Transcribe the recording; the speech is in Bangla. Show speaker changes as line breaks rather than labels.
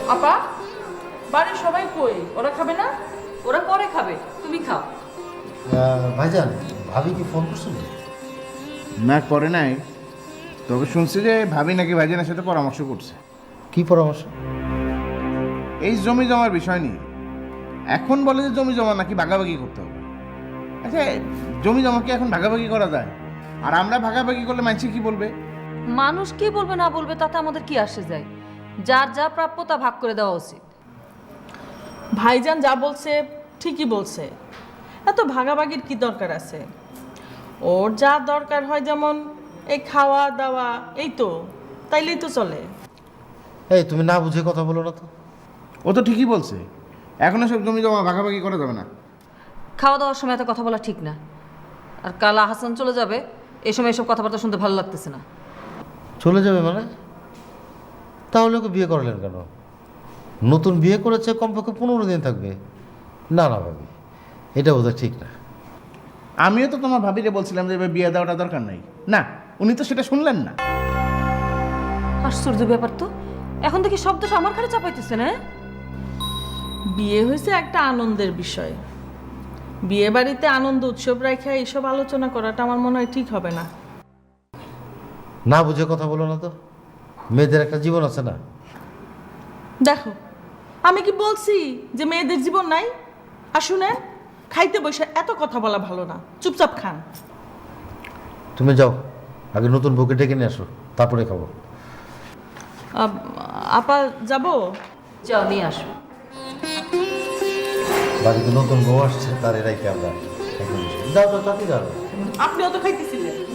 আপা, বাড়ির সবাই কই? ওরা খাবে না?
ওরা পরে খাবে, তুমি খাও।
ভাইজান, ভাবি কি ফোন করছিল?
না, করে নাই। তবে শুনছি যে ভাবি নাকি ভাইজানের সাথে পরামর্শ করছে
কি পরামর্শ?
এই জমি জমার বিষয় নিয়ে। এখন বলে যে জমি জমা নাকি ভাগাভাগি করতে হবে। আচ্ছা, জমি জমা কি এখন ভাগাভাগি করা যায়? আর আমরা ভাগাভাগি করলে মানুষ কি বলবে?
মানুষ কি বলবে না বলবে তাতে আমাদের কি আসে যায়? যার যা প্রাপ্য তা ভাগ করে দেওয়া উচিত।
ভাইজান যা বলছে ঠিকই বলছে। এত ভাগাভাগির কি দরকার আছে? ওর যা দরকার হয়, যেমন এই খাওয়া দাওয়া, এই তো, তাইলেই তো চলে।
এই তুমি না বুঝে কথা বলো না তো।
ও তো ঠিকই বলছে, এখন সব জমি জমা ভাগাভাগি করা যাবে না।
খাওয়া দাওয়ার সময় এত কথা বলা ঠিক না। আর কাল হাসান চলে যাবে, এই সময় এসব কথাবার্তা শুনতে ভালো লাগতেছে না।
চলে যাবে মানে? তাহলে ওকে বিয়ে করলেন কেন? নতুন বিয়ে করেছে, কমপক্ষে 15 দিন থাকবে। না না ভাবি, এটা বোধহয় ঠিক না।
আমিও তো তোমার ভাবিরে বলছিলাম যে এবার বিয়ে দেওয়াটা দরকার নাই। না, উনি তো সেটা শুনলেন না।
আশ্চর্য ব্যাপার তো, এখন দেখি শব্দ আমার ঘরে চাপাইতেছে না।
বিয়ে হয়েছে একটা আনন্দের বিষয়। বিয়ে বাড়িতে আনন্দ উৎসব রাখা এইসব আলোচনা করাটা আমার মনে হয় ঠিক হবে না।
না বুঝে কথা বলো না তো। মেয়েদের একটা জীবন আছে না?
দেখো, আমি কি বলছি যে মেয়েদের জীবন নাই? আর শুনেন, খাইতে বসে এত কথা বলা ভালো না, চুপচাপ খান।
তুমি যাও, আগে নতুন বউকে ডেকে নিয়ে আসো, তারপরে খাবো।
আপা যাবো?
যাও নিয়ে আসো।
বাড়িতে নতুন বউ আসছে, তার এরাই কে আমরা। যাও যাও, তাতে যাও।
আপনিও তো খাইতেছিলেন।